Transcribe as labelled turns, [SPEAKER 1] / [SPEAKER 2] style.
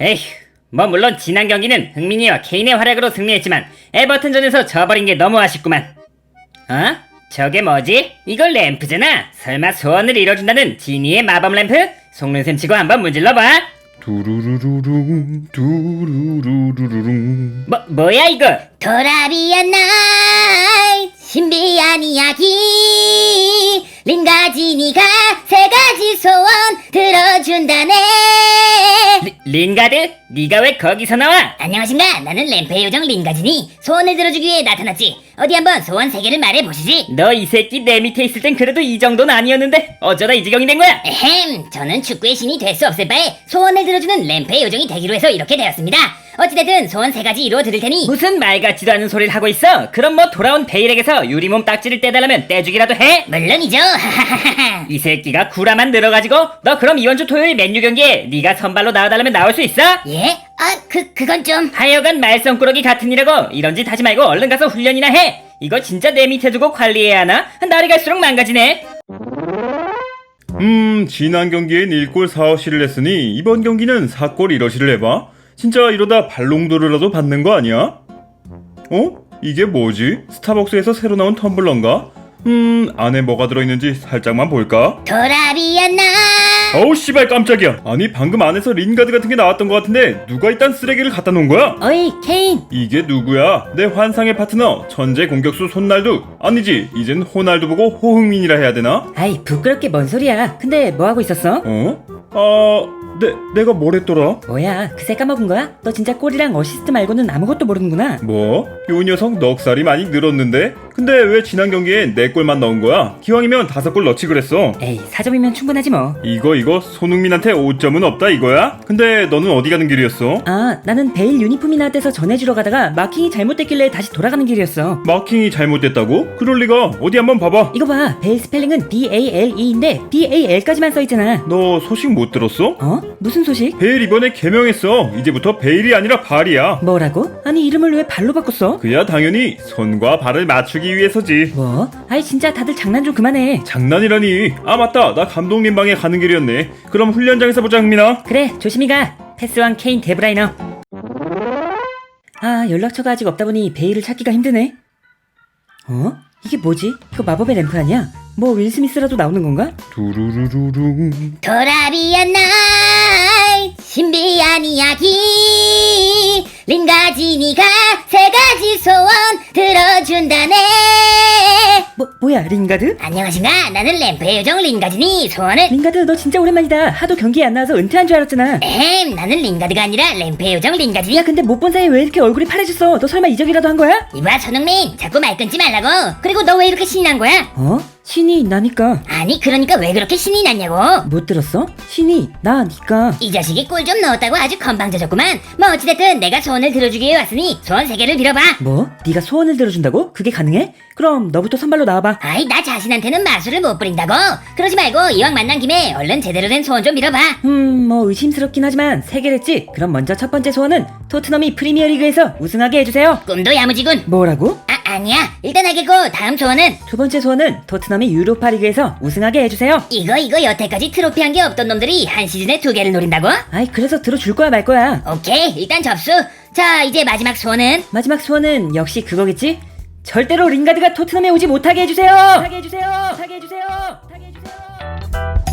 [SPEAKER 1] 에휴, 뭐 물론 지난 경기는 흥민이와 케인의 활약으로 승리했지만 에버튼전에서 져버린 게 너무 아쉽구만. 어? 저게 뭐지? 이걸 램프잖아. 설마 소원을 이뤄준다는 지니의 마법 램프? 속눈샘 치고 한번 문질러봐.
[SPEAKER 2] 두루루루룽 두루루루룽.
[SPEAKER 1] 뭐야 이거?
[SPEAKER 3] 도라비안 나이 신비한 이야기 링가지니가 세 가지 소원 들어준다네.
[SPEAKER 1] 링가드? 네가 왜 거기서 나와?
[SPEAKER 3] 안녕하신가? 나는 램프의 요정 링가지니 소원을 들어주기 위해 나타났지. 어디 한번 소원 3개를 말해보시지.
[SPEAKER 1] 너 이 새끼 내 밑에 있을 땐 그래도 이 정도는 아니었는데 어쩌다 이 지경이 된 거야?
[SPEAKER 3] 에헴, 저는 축구의 신이 될 수 없을 바에 소원을 들어주는 램프의 요정이 되기로 해서 이렇게 되었습니다. 어찌됐든 소원 3가지 이루어 드릴 테니
[SPEAKER 1] 무슨 말 같지도 않은 소리를 하고 있어? 그럼 뭐 돌아온 베일에게서 유리몸 딱지를 떼달라면 떼주기라도 해?
[SPEAKER 3] 물론이죠.
[SPEAKER 1] 이 새끼가 구라만 늘어가지고 너 그럼 이번 주 토요일 맨유 경기에 네가 선발로 나와달라면 나올 수 있어?
[SPEAKER 3] 예? 그건 좀...
[SPEAKER 1] 하여간 말썽꾸러기 같은 이라고 이런 짓 하지 말고 얼른 가서 훈련이나 해. 이거 진짜 내 밑에 두고 관리해야 하나? 날이 갈수록 망가지네.
[SPEAKER 2] 지난 경기엔 1골 4어시를 했으니 이번 경기는 4골 1어시를 해봐. 진짜 이러다 발롱도르라도 받는 거 아니야? 어? 이게 뭐지? 스타벅스에서 새로 나온 텀블러인가? 안에 뭐가 들어있는지 살짝만 볼까?
[SPEAKER 3] 도라비안 나이
[SPEAKER 2] 어우 씨발 깜짝이야. 아니 방금 안에서 린가드 같은 게 나왔던 것 같은데 누가 이딴 쓰레기를 갖다 놓은 거야?
[SPEAKER 1] 어이 케인.
[SPEAKER 2] 이게 누구야? 내 환상의 파트너 천재 공격수 손날두. 아니지 이젠 호날두 보고 호흥민이라 해야 되나?
[SPEAKER 1] 아이 부끄럽게 뭔 소리야. 근데 뭐 하고 있었어?
[SPEAKER 2] 내가 뭘 했더라?
[SPEAKER 1] 뭐야 그새 까먹은 거야? 너 진짜 골이랑 어시스트 말고는 아무것도 모르는구나.
[SPEAKER 2] 뭐? 요 녀석 넉살이 많이 늘었는데? 근데 왜 지난 경기에 4골만 넣은 거야? 기왕이면 5골 넣지 그랬어.
[SPEAKER 1] 에이 4점이면 충분하지 뭐.
[SPEAKER 2] 이거 손흥민한테 5점은 없다 이거야? 근데 너는 어디 가는 길이었어?
[SPEAKER 1] 아 나는 베일 유니폼이 나한테서 전해주러 가다가 마킹이 잘못됐길래 다시 돌아가는 길이었어.
[SPEAKER 2] 마킹이 잘못됐다고? 그럴 리가. 어디 한번 봐봐.
[SPEAKER 1] 이거 봐 베일 스펠링은 BALE인데 BAL까지만 써있잖아.
[SPEAKER 2] 너 소식 못 들었어?
[SPEAKER 1] 어? 무슨 소식?
[SPEAKER 2] 베일 이번에 개명했어. 이제부터 베일이 아니라 발이야.
[SPEAKER 1] 뭐라고? 아니 이름을 왜 발로 바꿨어?
[SPEAKER 2] 그야 당연히 손과 발을 맞추기 위해서지.
[SPEAKER 1] 뭐? 아이 진짜 다들 장난 좀 그만해.
[SPEAKER 2] 장난이라니. 아 맞다, 나 감독님 방에 가는 길이었네. 그럼 훈련장에서 보자 흥민아.
[SPEAKER 1] 그래 조심히 가. 패스왕 케인 데브라이너. 아 연락처가 아직 없다 보니 베일을 찾기가 힘드네. 어? 이게 뭐지? 이거 마법의 램프 아니야? 뭐 윌 스미스라도 나오는 건가?
[SPEAKER 2] 두루루루룽.
[SPEAKER 3] 도라비안 나이 신비한 이야기 링가지니가 3가지 소원 들어준다네.
[SPEAKER 1] 뭐야 링가드?
[SPEAKER 3] 안녕하신가? 나는 램프의 요정 링가지니 소원을...
[SPEAKER 1] 링가드 너 진짜 오랜만이다. 하도 경기에 안 나와서 은퇴한 줄 알았잖아.
[SPEAKER 3] 에헴, 나는 링가드가 아니라 램프의 요정 링가지니.
[SPEAKER 1] 야 근데 못 본 사이에 왜 이렇게 얼굴이 파래졌어? 너 설마 이적이라도 한 거야?
[SPEAKER 3] 이봐 손흥민, 자꾸 말 끊지 말라고. 그리고 너 왜 이렇게 신이 난 거야?
[SPEAKER 1] 어? 신이 나니까.
[SPEAKER 3] 아니 그러니까 왜 그렇게 신이 났냐고.
[SPEAKER 1] 못 들었어? 신이 나니까.
[SPEAKER 3] 이 자식이 꿀 좀 넣었다고 아주 건방져졌구만. 뭐 어찌됐든 내가 소원을 들어주기 위해 왔으니 소원 3개를 빌어봐.
[SPEAKER 1] 뭐? 네가 소원을 들어준다고? 그게 가능해? 그럼 너부터 선발로 나와봐.
[SPEAKER 3] 아이 나 자신한테는 마술을 못 부린다고. 그러지 말고 이왕 만난 김에 얼른 제대로 된 소원 좀 빌어봐.
[SPEAKER 1] 뭐 의심스럽긴 하지만 3개랬지. 그럼 먼저 첫 번째 소원은 토트넘이 프리미어리그에서 우승하게 해주세요.
[SPEAKER 3] 꿈도 야무지군.
[SPEAKER 1] 뭐라고?
[SPEAKER 3] 아니야, 일단 알겠고 다음 소원은?
[SPEAKER 1] 두 번째 소원은 토트넘이 유로파리그에서 우승하게 해주세요.
[SPEAKER 3] 이거 여태까지 트로피 한 게 없던 놈들이 한 시즌에 2개를 노린다고?
[SPEAKER 1] 아이 그래서 들어줄 거야 말 거야.
[SPEAKER 3] 오케이, 일단 접수. 자 이제 마지막 소원은?
[SPEAKER 1] 마지막 소원은 역시 그거겠지? 절대로 링가드가 토트넘에 오지 못하게 해주세요. 못하게 해주세요. 못하게 해주세요. 못하게 해주세요.